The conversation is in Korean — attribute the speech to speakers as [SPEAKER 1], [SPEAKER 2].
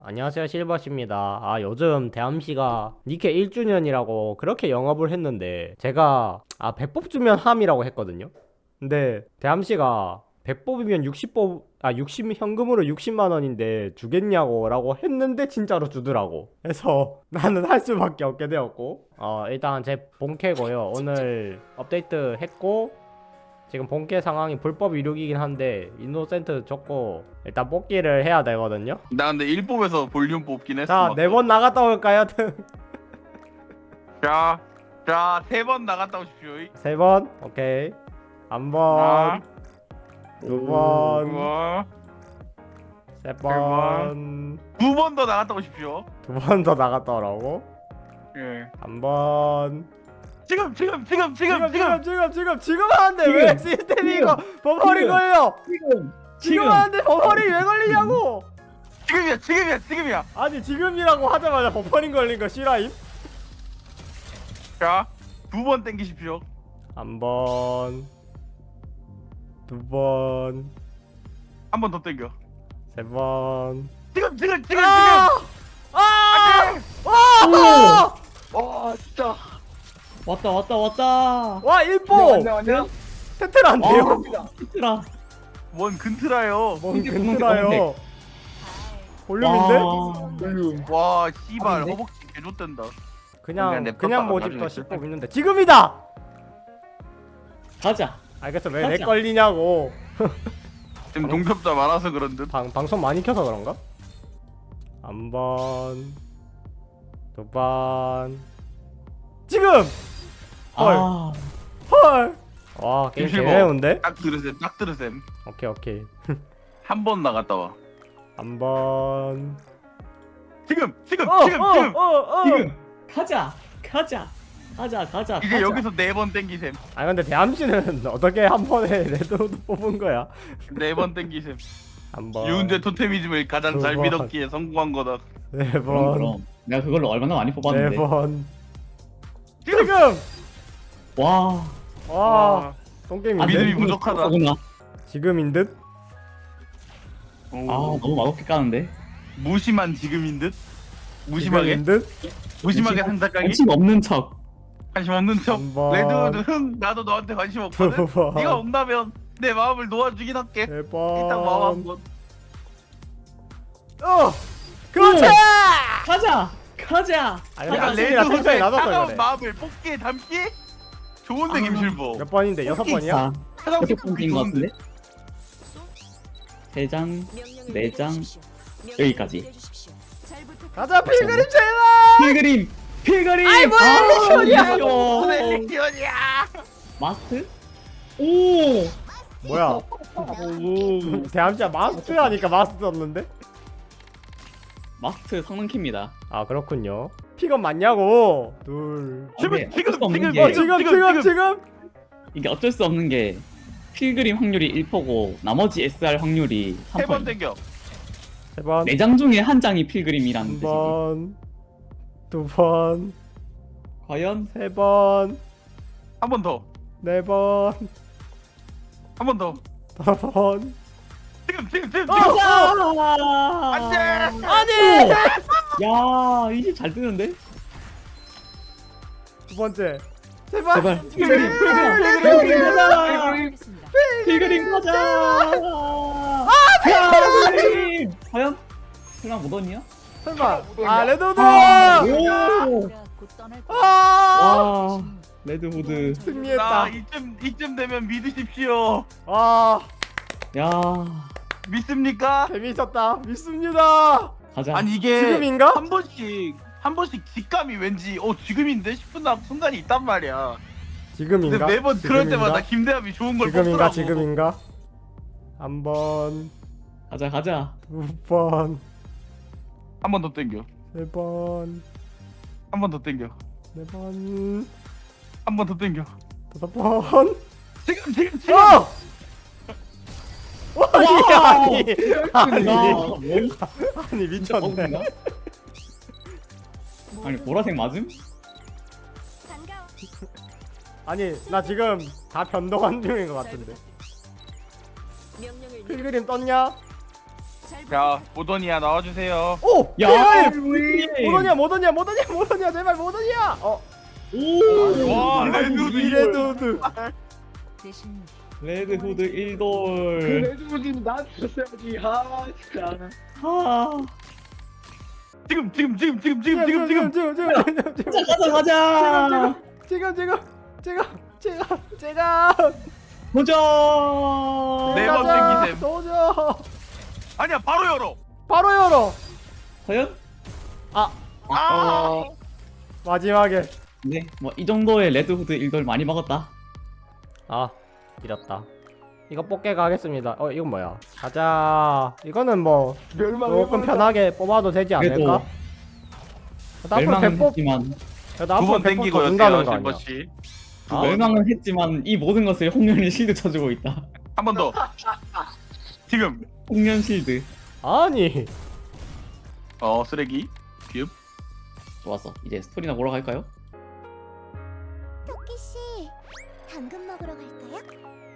[SPEAKER 1] 안녕하세요, 실버씨입니다. 요즘 대암시가 니케 1주년이라고 그렇게 영업을 했는데 제가 100뽑 주면 함이라고 했거든요. 근데 대암시가 100뽑이면 60 현금으로 60만 원인데 주겠냐고 라고 했는데 진짜로 주더라고. 그래서 나는 할 수밖에 없게 되었고, 일단 제 본캐고요. 오늘 업데이트 했고, 지금 본캐 상황이 불법 이륙이긴 한데 이노센트 줬고 일단 뽑기를 해야 되거든요.
[SPEAKER 2] 나 근데 1뽑에서 볼륨 뽑긴 했어.
[SPEAKER 1] 자, 4번 나갔다 올까요?
[SPEAKER 2] 자, 3번 나갔다 오십시오.
[SPEAKER 1] 3번? 오케이. 한 번, 두 번,
[SPEAKER 2] 와,
[SPEAKER 1] 세 번,
[SPEAKER 2] 2번 더 나갔다 오십시오.
[SPEAKER 1] 2번 더 나갔다 오라고?
[SPEAKER 2] 예.
[SPEAKER 1] 한 번.
[SPEAKER 2] 지금
[SPEAKER 1] 하는데 왜 시스템이 이거 버퍼링 걸려? 지금 하는데 버퍼링 왜 걸리냐고?
[SPEAKER 2] 지금이야.
[SPEAKER 1] 아니 지금이라고 하자마자 버퍼링 걸린 거 싫어임?
[SPEAKER 2] 자, 2번 땡기십시오.
[SPEAKER 1] 한 번, 두 번,
[SPEAKER 2] 한 번 더 땡겨.
[SPEAKER 1] 세 번.
[SPEAKER 2] 지금. 와, 진짜.
[SPEAKER 3] 왔다.
[SPEAKER 1] 와 1보!
[SPEAKER 2] 왔냐?
[SPEAKER 1] 테트라인데요?
[SPEAKER 3] 힘들어.
[SPEAKER 2] 뭔 근트라요.
[SPEAKER 1] 뭔
[SPEAKER 3] 근데
[SPEAKER 1] 근트라요? 볼륨인데?
[SPEAKER 2] 와, 씨발
[SPEAKER 3] 아닌데?
[SPEAKER 2] 허벅지 개좆된다.
[SPEAKER 1] 그냥
[SPEAKER 2] 냅뒀다가
[SPEAKER 1] 그냥 모집도
[SPEAKER 2] 나중에
[SPEAKER 1] 10법 있는데 지금이다!
[SPEAKER 3] 가자.
[SPEAKER 1] 알겠어, 왜 내
[SPEAKER 3] 하자.
[SPEAKER 1] 걸리냐고.
[SPEAKER 2] 지금 동접자 많아서 그런 듯.
[SPEAKER 1] 방송 많이 켜서 그런가? 한 번, 두 번. 지금! 헐.
[SPEAKER 3] 아,
[SPEAKER 1] 헐! 와, 게임
[SPEAKER 2] 김실버.
[SPEAKER 1] 개매운데?
[SPEAKER 2] 딱 들으셈.
[SPEAKER 1] 오케이.
[SPEAKER 2] 한 번 나갔다 와.
[SPEAKER 1] 한 번.
[SPEAKER 2] 지금.
[SPEAKER 3] 지금 가자.
[SPEAKER 2] 이제 여기서 4번 땡기셈.
[SPEAKER 1] 근데 대함씨는 어떻게 한 번에 레드로드 뽑은 거야?
[SPEAKER 2] 4번 땡기셈.
[SPEAKER 1] 한 번.
[SPEAKER 2] 유은재 토테미즘을 가장 잘
[SPEAKER 1] 두 번.
[SPEAKER 2] 믿었기에 성공한 거다.
[SPEAKER 1] 네
[SPEAKER 3] 그럼
[SPEAKER 1] 번.
[SPEAKER 3] 그럼. 내가 그걸로 얼마나 많이
[SPEAKER 1] 네
[SPEAKER 3] 뽑았는데.
[SPEAKER 1] 번.
[SPEAKER 2] 지금!
[SPEAKER 1] 지금!
[SPEAKER 3] 와.
[SPEAKER 1] 와, 똥게임인데?
[SPEAKER 2] 믿음이 부족하다.
[SPEAKER 3] 구나.
[SPEAKER 1] 지금인 듯?
[SPEAKER 3] 아, 너무 맛없게 까는데.
[SPEAKER 2] 무심한 지금인 듯? 무심하게?
[SPEAKER 1] 지금인 듯?
[SPEAKER 2] 무심하게 상작가기?
[SPEAKER 3] 관심 없는 척.
[SPEAKER 2] 관심 없는 척.
[SPEAKER 1] 한 번.
[SPEAKER 2] 레드우드 흥 나도 너한테 관심
[SPEAKER 1] 두
[SPEAKER 2] 없거든?
[SPEAKER 1] 번.
[SPEAKER 2] 네가 온다면 내 마음을 놓아주긴 할게.
[SPEAKER 1] 세 번.
[SPEAKER 2] 일단 마음 한번.
[SPEAKER 1] 그렇지!
[SPEAKER 3] 가자.
[SPEAKER 1] 아니,
[SPEAKER 2] 내가
[SPEAKER 1] 당신이랑 텐션이
[SPEAKER 2] 레드우드의
[SPEAKER 1] 낮았어,
[SPEAKER 2] 차가운
[SPEAKER 1] 그래.
[SPEAKER 2] 마음을 뽑기에 담기? 좋은데
[SPEAKER 3] 아.
[SPEAKER 2] 김실보.
[SPEAKER 1] 몇 번인데? 6번이야?
[SPEAKER 2] 차가운
[SPEAKER 3] 여섯 번 뛴 것 같은데. 세 장, 네 장, 여기까지.
[SPEAKER 1] 가자, 필그림 제발!
[SPEAKER 3] 필그림.
[SPEAKER 1] 아이, 뭐야, 미션이야.
[SPEAKER 2] 셀렉션이야.
[SPEAKER 3] 마스트? 오.
[SPEAKER 1] 뭐야? 대함씨야 마스트 하니까 마스트 썼는데?
[SPEAKER 3] 마스트 성능키입니다.
[SPEAKER 1] 그렇군요. 픽업 맞냐고? 둘.
[SPEAKER 3] 근데
[SPEAKER 2] 지금,
[SPEAKER 3] 어쩔 수 없는
[SPEAKER 2] 지금,
[SPEAKER 3] 게
[SPEAKER 1] 지금!
[SPEAKER 3] 이게 어쩔 수 없는 게 필그림 확률이 1%고 나머지 SR 확률이
[SPEAKER 2] 3번
[SPEAKER 3] 3%.
[SPEAKER 2] 땡겨.
[SPEAKER 1] 세 번.
[SPEAKER 3] 4장 중에 한 장이 필그림이라는
[SPEAKER 1] 한
[SPEAKER 3] 뜻이지.
[SPEAKER 1] 번. 두 번.
[SPEAKER 3] 과연?
[SPEAKER 1] 세 번.
[SPEAKER 2] 한 번 더.
[SPEAKER 1] 네 번.
[SPEAKER 2] 한 번 더.
[SPEAKER 1] 다섯 번.
[SPEAKER 2] 지금.
[SPEAKER 3] 아!
[SPEAKER 2] 안 돼!
[SPEAKER 1] 아니!
[SPEAKER 3] 야, 이 집 잘 뜨는데?
[SPEAKER 1] 두 번째. 제발.
[SPEAKER 3] 제발. 필그림 가자! 필그림 가자! 필그림! 과연? 설마 못 얻냐?
[SPEAKER 1] 설마. 레드우드!
[SPEAKER 3] 오!
[SPEAKER 1] 아!
[SPEAKER 3] 와, 레드우드.
[SPEAKER 1] 승리했다.
[SPEAKER 2] 나 이쯤 되면 믿으십시오.
[SPEAKER 3] 야,
[SPEAKER 2] 믿습니까?
[SPEAKER 1] 재미있었다. 믿습니다.
[SPEAKER 3] 가자.
[SPEAKER 2] 아니 이게
[SPEAKER 1] 지금인가?
[SPEAKER 2] 한 번씩 직감이 왠지 지금인데 싶은 순간이 있단 말이야.
[SPEAKER 1] 지금인가?
[SPEAKER 2] 근데 매번 그럴
[SPEAKER 1] 지금인가?
[SPEAKER 2] 때마다 김대함이 좋은 걸
[SPEAKER 1] 지금인가?
[SPEAKER 2] 뽑더라고.
[SPEAKER 1] 지금인가? 한 번,
[SPEAKER 3] 가자.
[SPEAKER 1] 두 번,
[SPEAKER 2] 한 번 더 땡겨.
[SPEAKER 1] 세 번,
[SPEAKER 2] 한 번 더 땡겨.
[SPEAKER 1] 네 번,
[SPEAKER 2] 한 번 더 땡겨.
[SPEAKER 1] 다섯 번.
[SPEAKER 2] 지금.
[SPEAKER 1] 아니 미쳤네.
[SPEAKER 3] 아니, 보라색 맞음?
[SPEAKER 1] 아니 나 지금 다 변동한 중인 것 같은데. 필그림 떴냐?
[SPEAKER 2] 자 모더니아 나와주세요.
[SPEAKER 1] 오!
[SPEAKER 3] 야,
[SPEAKER 1] 모더니아 제발 모더니아.
[SPEAKER 2] 와
[SPEAKER 1] 레드우드.
[SPEAKER 4] 대신
[SPEAKER 3] 레드 후드 1돌.
[SPEAKER 5] 레드우드는 나한테 줬어야지. 아 진짜.
[SPEAKER 3] 아,
[SPEAKER 2] 지금
[SPEAKER 3] 가자.
[SPEAKER 1] 제가
[SPEAKER 3] 도전.
[SPEAKER 2] 네 번 땡기셈.
[SPEAKER 1] 도저.
[SPEAKER 2] 아니야 바로 열어.
[SPEAKER 1] 바로 열어.
[SPEAKER 3] 과연?
[SPEAKER 2] 아
[SPEAKER 1] 마지막에.
[SPEAKER 3] 네, 뭐 이 정도의 레드 후드 1돌 많이 먹었다.
[SPEAKER 1] 아, 이렇다. 이거 뽑게 가겠습니다. 이건 뭐야? 가자. 이거는 뭐 조금 편하게 뽑아도 되지 않을까?
[SPEAKER 3] 그래도
[SPEAKER 1] 나 앞으로
[SPEAKER 3] 멸망은
[SPEAKER 1] 백법,
[SPEAKER 3] 했지만
[SPEAKER 1] 나 앞으로
[SPEAKER 2] 9번
[SPEAKER 1] 백법 더
[SPEAKER 2] 땡기고요
[SPEAKER 1] 준다는 거 아니야?
[SPEAKER 2] 실버씨.
[SPEAKER 1] 아,
[SPEAKER 3] 멸망은 했지만 이 모든 것을 홍련이 실드 쳐주고 있다.
[SPEAKER 2] 한 번 더. 지금
[SPEAKER 3] 홍련 실드.
[SPEAKER 1] 아니.
[SPEAKER 2] 쓰레기.
[SPEAKER 3] 좋았어. 이제 스토리나 보러 갈까요?
[SPEAKER 4] 토끼 씨, 당근 먹으러 갈까요?